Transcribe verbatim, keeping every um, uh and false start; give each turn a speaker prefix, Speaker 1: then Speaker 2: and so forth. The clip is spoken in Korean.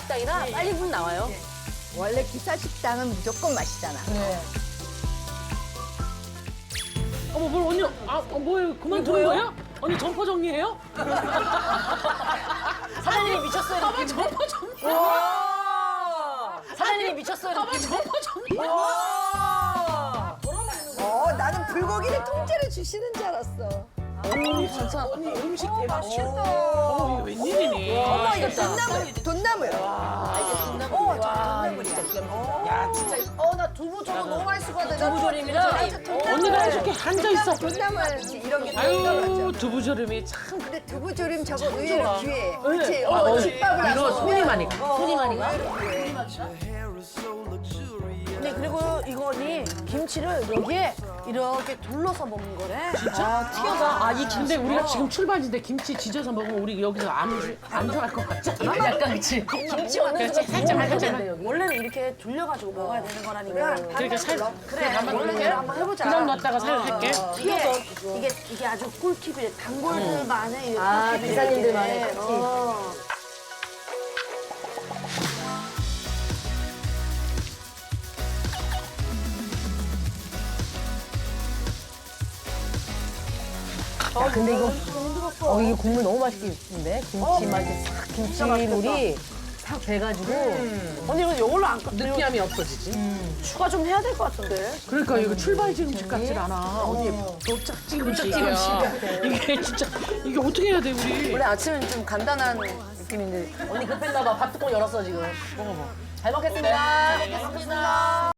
Speaker 1: 기사식당이라 빨리 문 나와요.
Speaker 2: 원래 기사식당은 무조건 맛있잖아.
Speaker 3: 어머 뭘 언니 아 어, 뭐예요? 그만두는 거예요? 언니 점퍼 정리해요?
Speaker 1: 사장님이 미쳤어요.
Speaker 3: 가만 점퍼 정리.
Speaker 1: 사장님이 미쳤어요.
Speaker 3: 가만 점퍼 정리.
Speaker 2: 어, 나는 불고기를 통째로 주시는 줄 알았어.
Speaker 3: 언니 진짜 언니 음식 대박. 어머 이게 웬일이니?
Speaker 2: 어머, 이거 돈나물, 돈나물. 아, 이게 돈나물. 어, 저 돈나물이다. 야, 진짜. 어, 나 두부 저거 너무 맛있을 것 같아.
Speaker 1: 두부조림이랑
Speaker 3: 언니가 해줄게 앉아 있어.
Speaker 2: 돈나물 이런 게
Speaker 3: 아유
Speaker 2: 돈나물.
Speaker 3: 두부조림이 참.
Speaker 2: 근데 두부조림 저거 의외로 귀해.
Speaker 3: 네.
Speaker 2: 그렇지?
Speaker 3: 아,
Speaker 2: 어,
Speaker 3: 어,
Speaker 2: 집밥을
Speaker 3: 이거
Speaker 2: 해서.
Speaker 3: 손이 많이 가.
Speaker 1: 손이 많이 가.
Speaker 4: 네, 그리고 이거니 김치를 여기에 이렇게 둘러서 먹는 거래.
Speaker 3: 진짜? 튀어가. 아, 이 근데 우리가 지금 출발인데 김치 지져서 먹으면 우리 여기서 안, 안 좋아할 것 같지 않아? 약간 그치?
Speaker 1: 김치 어느
Speaker 3: 그렇지,
Speaker 1: 순간
Speaker 3: 살짝
Speaker 1: 먹어야
Speaker 3: 살짝.
Speaker 1: 돼, 여기.
Speaker 4: 원래는 이렇게 둘려가지고 먹어야 되는 거라니까.
Speaker 3: 그러니까 살, 그래, 가만
Speaker 4: 원래
Speaker 3: 놓을게.
Speaker 4: 대로 한번 해보자.
Speaker 3: 그냥 놨다가 살 할게.
Speaker 4: 이게, 이게, 이게 아주 꿀팁이래. 단골들만의 이
Speaker 1: 아,
Speaker 4: 꿀팁이래.
Speaker 1: 기사님들만의
Speaker 4: 이게.
Speaker 1: 꿀팁.
Speaker 4: 어.
Speaker 1: 야, 근데 이거 어 이게 국물 너무 맛있게 있는데 김치 맛이 싹 김치물이 싹 돼가지고
Speaker 4: 언니 이거 이걸로 안 까-
Speaker 3: 느끼함이 없어지지.
Speaker 4: 추가 좀 해야 될 것 같은데.
Speaker 3: 그러니까 이거 출발지 음식 같질 않아. 언니 도착지 음식이야. 이게 진짜 이게 어떻게 해야 돼 우리?
Speaker 1: 원래 아침은 좀 간단한 느낌인데 언니 급했나 봐. 밥 뚜껑 열었어 지금. 먹어봐. 잘 먹겠습니다. 잘 먹겠습니다.